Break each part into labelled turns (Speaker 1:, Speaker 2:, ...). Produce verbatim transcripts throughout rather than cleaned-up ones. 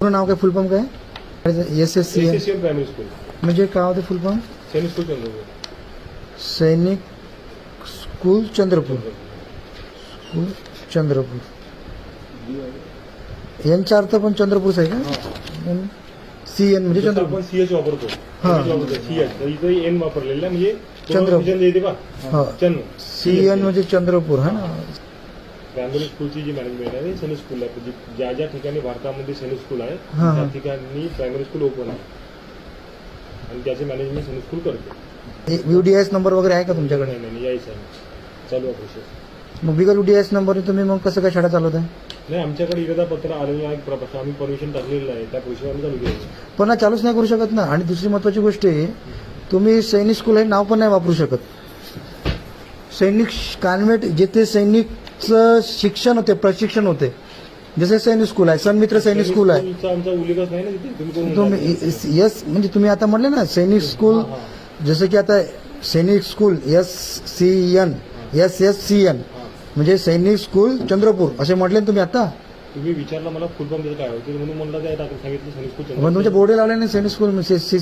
Speaker 1: पूर्ण नाव काय, फुल फॉर्म काय? S S C
Speaker 2: SSCN primary school,
Speaker 1: म्हणजे काय होते full form?
Speaker 2: Sainik school Chandrapur.
Speaker 1: Sainik school Chandrapur. School Chandrapur यांचा अर्थ पण चंद्रपूरच आहे का? सी एन म्हणजे
Speaker 2: जसं
Speaker 1: चंद्रपूर.
Speaker 2: आपण सीएच वापरतो,
Speaker 1: हा.
Speaker 2: सीएच तर इथे एन वापरलेला आहे, म्हणजे
Speaker 1: चंद्रपूर.
Speaker 2: चंद्र येते बा
Speaker 1: हा.
Speaker 2: चंद्र.
Speaker 1: सी एन म्हणजे चंद्रपूर. हा ना.
Speaker 2: प्रायमरी स्कूलची जी मॅनेजमेंट आहे सैनिक स्कूल आहे, म्हणजे ज्या ज्या ठिकाणी भारतामध्ये सैनिक स्कूल आहे
Speaker 1: हा, हा.
Speaker 2: त्या ठिकाणी प्रायमरी स्कूल ओपन आहे आणि त्याचे मॅनेजमेंट सैनिक स्कूल करते.
Speaker 1: यूडीएस नंबर वगैरे आहे का तुमच्याकडे?
Speaker 2: नाही नाही यायचं आहे, चालू आहे प्रोसेस.
Speaker 1: मग बिगर यूडीएस नंबर तुम्ही मग कसं काय शाळा चालवत आहे?
Speaker 2: नाही, आमच्याकडे इरादा पत्र आलेलं आहे, प्र- आम्ही परमिशन टाकलेलं आहे, त्या प्रोसेस आम्ही चालू केलं.
Speaker 1: पण हा चालूच नाही करू शकत ना. आणि दुसरी महत्वाची गोष्ट आहे, तुम्ही सैनिक स्कूल हे नाव पण नाही वापरू शकत. सैनिक कॉन्व्हेंट जिथे सैनिकचं शिक्षण होते, प्रशिक्षण होते, जसे सैनिक स्कूल आहे, सन्मित्र सैनिक स्कूल आहे.
Speaker 2: स्कूलचा आमचा उल्लेखच नाही ना तिथे. तुम्ही कोण म्हणता?
Speaker 1: तुम्ही यस म्हणजे तुम्ही आता म्हटले ना सैनिक स्कूल,
Speaker 2: हा, हा.
Speaker 1: जसं की आता Sainik school S C N S S C N म्हणजे सैनिक स्कूल चंद्रपूर असे म्हटले ना तुम्ही आता.
Speaker 2: तुम्ही विचारलं मला फुल फॉर्म त्याचं काय होतं म्हणून म्हणलं काय टाकून सांगितलं सैनिक स्कूल
Speaker 1: पण
Speaker 2: चंद्रपूर.
Speaker 1: तुमच्या बोर्डे लावले ना Sainik school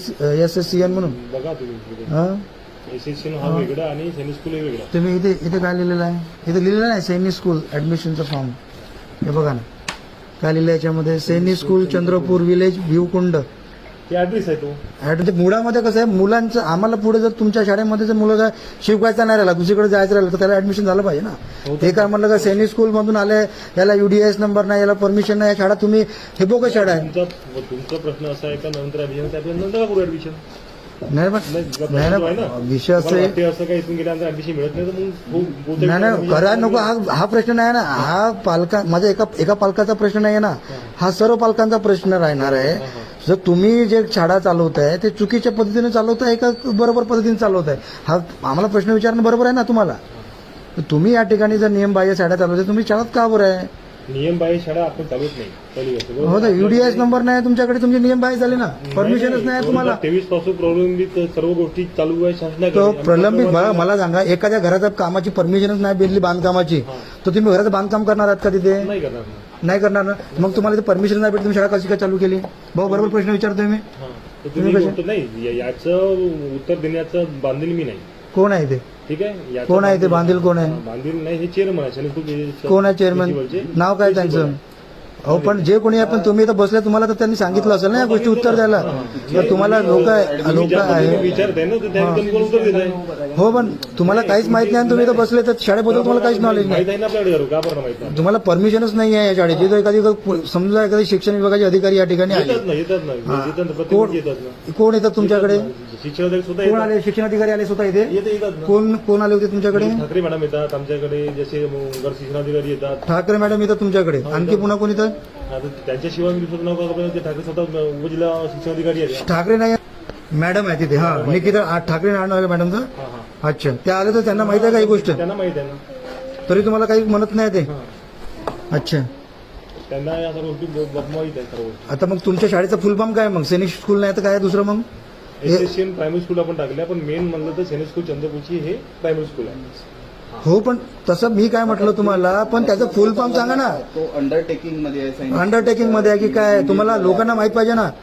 Speaker 1: S S C N म्हणून.
Speaker 2: बघा तुम्ही
Speaker 1: हा
Speaker 2: एसएससी हा वेगळा आणि सैनिक स्कूल हे वेगळा.
Speaker 1: तुम्ही इथे इथे काय लिहिलेलं आहे? इथे लिहिलेलं नाही सैनिक स्कूल ऍडमिशनचा फॉर्म. हे बघा ना काय लिहिलं याच्यामध्ये, सैनिक स्कूल चंद्रपूर विलेज भिवकुंड.
Speaker 2: ते ऍड्रेस आहे तो.
Speaker 1: ऍट- मुळामध्ये कसं आहे, मुलांचं आम्हाला पुढे जर तुमच्या शाळेमध्ये जर मुलं जर शिकवायचा नाही राहिला, दुसरीकडे जायचं राहिलं तर त्याला ऍडमिशन झालं पाहिजे ना. ते काय म्हणलं का सैनिक स्कूल मधून आले, याला यूडीएस नंबर नाही, याला परमिशन नाही, या शाळा तुम्ही हे बोगस शाळा आहे.
Speaker 2: तुमचा तुमचा प्रश्न असा आहे का नंतर ऍडमिशन त्याच्या नंतर करू ऍडमिशन?
Speaker 1: नाही पण नाही ना विषय असं आहे.
Speaker 2: ते असं काही इथून गेल्यानंतर ऍडमिशन मिळत नाही तर मग हो- बहुतेक
Speaker 1: नाही नाही
Speaker 2: म्हणजे
Speaker 1: करा नको, हा हा प्रश्न नाही ना. हा पालका माझा एका एका पालकाचा प्रश्न नाही आहे ना, हा सर्व पालकांचा प्रश्न राहणार आहे. जर तुम्ही जे शाळा चालवताय ते चुकीच्या पद्धतीने चालवताय का बरोबर पद्धतीने चालवताय, हा आम्हाला प्रश्न विचारणं बरोबर आहे ना तुम्हाला. तुम्ही या ठिकाणी जर नियमबाह्य शाळा चालवताय, तुम्ही शाळात का बरं आहे?
Speaker 2: नियम बाह्य शाळा आपण चालूच नाही चालू आहे.
Speaker 1: हो तर यूडीएस नंबर नाही तुमच्याकडे, तुमचे नियम बाह्य झाले ना, परमिशनच नाही तुम्हाला.
Speaker 2: तेवीस पासून प्रलंबित सर्व गोष्टी चालू आहे
Speaker 1: तो
Speaker 2: शासनाकडे.
Speaker 1: प्रलंबित मला मला सांगा, एखाद्या घराच्या कामाची परमिशनच नाही भेटली बांधकामाची, तर तुम्ही घराचं बांधकाम करणार आहात का तिथे?
Speaker 2: नाही करणार ना.
Speaker 1: नाही करणार ना. मग तुम्हाला ते परमिशन नाही भेटली, तुम्ही शाळा कशी काय चालू केली? भाऊ बरोबर प्रश्न विचारतोय मी.
Speaker 2: हा. तर तुम्ही बोलतो नाही या- याचं उत्तर देण्याचं बांधील मी नाही.
Speaker 1: कोण आहे ते?
Speaker 2: ठीक आहे. याचं
Speaker 1: कोण आहे ते बांधील कोण आहे?
Speaker 2: बांधील नाही, हे चेअरमन आहे सैनिक स्कूल.
Speaker 1: कोण आहे चेअरमन? नाव काय त्यांचं? अहो पण जे कोणी आहे, पण तुम्ही इथं बसले, तुम्हाला तर त्यांनी सांगितलं असेल ना या गोष्टी उत्तर द्यायला. तर तुम्हाला लोक लोक आहे
Speaker 2: विचारताय ना तर त्यांनी त्यांनी कोण उत्तर देत आहे?
Speaker 1: हो, पण तुम्हाला काहीच माहित नाही आणि तुम्ही इथं बसले, तर शाळेबद्दल तुम्हाला काहीच नॉलेज नाही.
Speaker 2: माहित आहे ना आपल्याकडे, का बरं माहित नाही?
Speaker 1: तुम्हाला परमिशनच नाही आहे या शाळेची. तर एखादी समजा एखादी शिक्षण विभागाचे अधिकारी या ठिकाणी आले,
Speaker 2: येतात ना येतात ना येतात ना, प्रत्येक
Speaker 1: कोण
Speaker 2: गोष्टी येतात ना.
Speaker 1: कोण येतात तुमच्याकडे?
Speaker 2: शिक्षण अधिकारी सुद्धा
Speaker 1: कोण
Speaker 2: येतात.
Speaker 1: आले? शिक्षण अधिकारी आले स्वतः इथे?
Speaker 2: येते येतात ना.
Speaker 1: कोण कोण आले होते तुमच्याकडे?
Speaker 2: ठाकरे मॅडम येतात आमच्याकडे, जसे घर शिक्षणाधिकारी येतात.
Speaker 1: ठाकरे मॅडम येतात तुमच्याकडे. आणखी पुन्हा कोणी तर?
Speaker 2: आता त्यांच्याशिवाय मी दुसरं नाव का बरं? ते ठाकरे स्वतः उपजिल्हा शिक्षणाधिकारी आहेत.
Speaker 1: ठाकरे नाही, मॅडम आहे तिथे. हा निकिता आ- ठाकरे नाव आहे मॅडमचं.
Speaker 2: हा हा
Speaker 1: अच्छा, ते आले तर त्यांना माहित आहे का ही गोष्ट?
Speaker 2: त्यांना माहित आहे ना.
Speaker 1: तरी तुम्हाला काही म्हणत नाही ते?
Speaker 2: हा.
Speaker 1: अच्छा,
Speaker 2: त्यांना या सर्व गोष्टी ब- ब- माहित आहे सर्व गोष्टी.
Speaker 1: आता मग तुमच्या शाळेचा फुल फॉर्म काय मग? सैनिक स्कूल नाही तर काय दुसरं मग?
Speaker 2: एसएससीएन प्रायमरी स्कूल आपण टाकल्या, पण मेन म्हणलं तर सैनिक स्कूल चंद्रपूरची हे प्रायमरी स्कूल आहे.
Speaker 1: हो, पण तसं मी काय म्हटलं तुम्हाला, पण त्याचं फुल फॉर्म सांगा ना.
Speaker 3: तो अंडरटेकिंग मध्ये आहे सैनिक.
Speaker 1: अंडरटेकिंग मध्ये आहे की काय? तुम्हाला लोकांना माहित पाहिजे ना.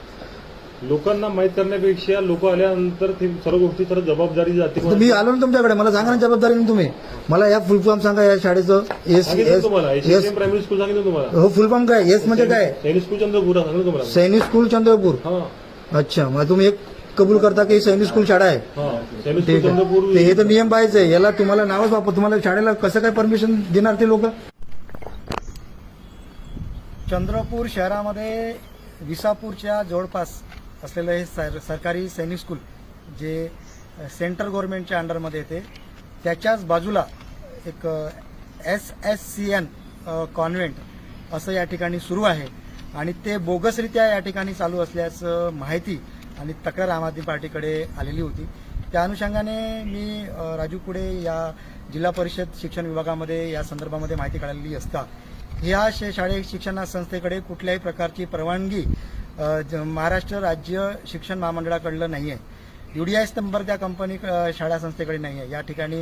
Speaker 2: लोकांना माहित करण्यापेक्षा लोक आल्यानंतर ते सर्व गोष्टी सर्व जबाबदारी जाते.
Speaker 1: तर मी आलो ना तुमच्याकडे, मला सांगा ना जबाबदारीने तुम्ही. मला या फुल फॉर्म सांगा या शाळेचं. एस
Speaker 2: सांगितलं
Speaker 1: एस
Speaker 2: तुम्हाला
Speaker 1: एस
Speaker 2: एसएससीएन प्रायमरी स्कूल सांगितलं तुम्हाला.
Speaker 1: हो, फुल फॉर्म काय? एस म्हणजे काय?
Speaker 2: सैनिक स्कूल चंद्रपूर सांगितलं तुम्हाला.
Speaker 1: सैनिक स्कूल चंद्रपूर.
Speaker 2: हा
Speaker 1: अच्छा, मग तुम्ही एक कबूल करता की सैनिक स्कूल शाळा आहे?
Speaker 2: हा सैनिक स्कूल
Speaker 1: ठीक आहे.
Speaker 2: चंद्रपूर.
Speaker 1: ते हे तर नियम पाहिजे. याला तुम्हाला नावच वापर, तुम्हाला शाळेला कसं काय परमिशन देणार ते लोक? चंद्रपूर शहरामध्ये विसापूरच्या जवळपास असलेलं हे सर सरकारी सैनिक स्कूल, जे सेंट्रल गव्हर्नमेंटच्या अंडरमध्ये येते, त्याच्याच बाजूला एक S S C N convent असं या ठिकाणी सुरू आहे आणि ते बोगसरित्या या ठिकाणी चालू असल्याचं माहिती आणि तक्रार आम आदमी पार्टीकडे आलेली होती. त्या अनुषंगाने मी अ, राजू कुडे या जिल्हा परिषद शिक्षण विभागामध्ये या संदर्भामध्ये माहिती काढलेली असता ह्या शे- शाळे शिक्षण संस्थेकडे कुठल्याही प्रकारची परवानगी अ, ज- महाराष्ट्र राज्य शिक्षण महामंडळाकडलं नाही आहे. यूडीआयएस नंबर त्या कंपनी अ, शाळा संस्थेकडे नाही आहे. या ठिकाणी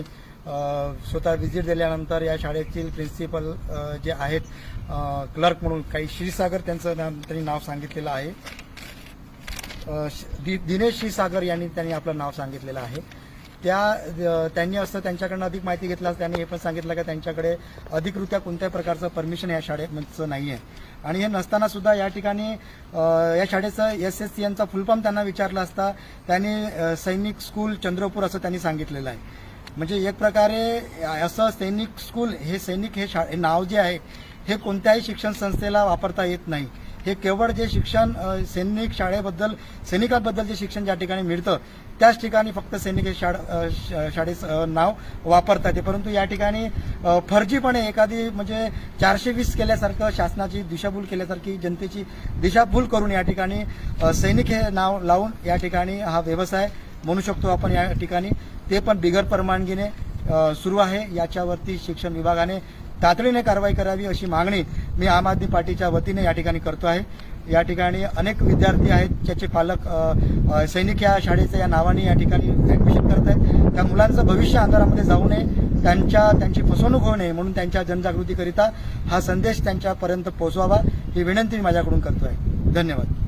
Speaker 1: स्वतः व्हिजिट दिल्यानंतर या शाळेतील प्रिन्सिपल जे आहेत क्लर्क म्हणून काही क्षीरसागर त्यांचं नाव त्यांनी नाव सांगितलेलं आहे. अ, श- दि- दिनेश क्षीरसागर यांनी त्यांनी आपलं नाव सांगितलेलं आहे. त्या अ, त्यांनी असं त्यांच्याकडनं अधिक माहिती घेतल्यास त्यांनी हे पण सांगितलं की त्यांच्याकडे अधिकृत्या कोणत्याही प्रकारचं परमिशन या शाळेचं नाही आहे. आणि हे नसताना सुद्धा या ठिकाणी अ, या शाळेचं एस एस सी एनचा फुलफॉर्म त्यांना विचारला असता त्यांनी अ, सैनिक स्कूल चंद्रपूर असं त्यांनी सांगितलेलं आहे. म्हणजे एक प्रकारे असं सैनिक स्कूल हे सैनिक हे शा हे नाव जे आहे हे कोणत्याही शिक्षण संस्थेला वापरता येत नाही. हे केवळ जे शिक्षण अ, सैनिक शाळेबद्दल सैनिकांबद्दल जे शिक्षण ज्या ठिकाणी मिळतं त्याच ठिकाणी फक्त सैनिक हे शाळ अ, श- शाळेचं अ, नाव वापरतात आहे. परंतु या ठिकाणी अ, फर्जीपणे एखादी म्हणजे चारशे वीस केल्यासारखं शासनाची दिशाभूल केल्यासारखी जनतेची दिशाभूल करून या ठिकाणी अ, सैनिक हे नाव लावून या ठिकाणी हा व्यवसाय म्हणू शकतो आपण या ठिकाणी ते पण बिगर परवानगीने अ, सुरू आहे. याच्यावरती शिक्षण विभागाने तातडीने कारवाई करावी अशी मागणी मी आम आदमी पार्टीच्या वतीने या ठिकाणी करतो आहे. या ठिकाणी अनेक विद्यार्थी आहेत ज्याचे पालक अ, अ, सैनिक या शाळेचं या नावाने या ठिकाणी ऍडमिशन करत आहेत. त्या मुलांचं भविष्य अंधारामध्ये जाऊ नये, त्यांच्या त्यांची फसवणूक होऊ नये म्हणून त्यांच्या जनजागृतीकरिता हा संदेश त्यांच्यापर्यंत पोहोचवावा ही विनंती मी माझ्याकडून करतो आहे. धन्यवाद.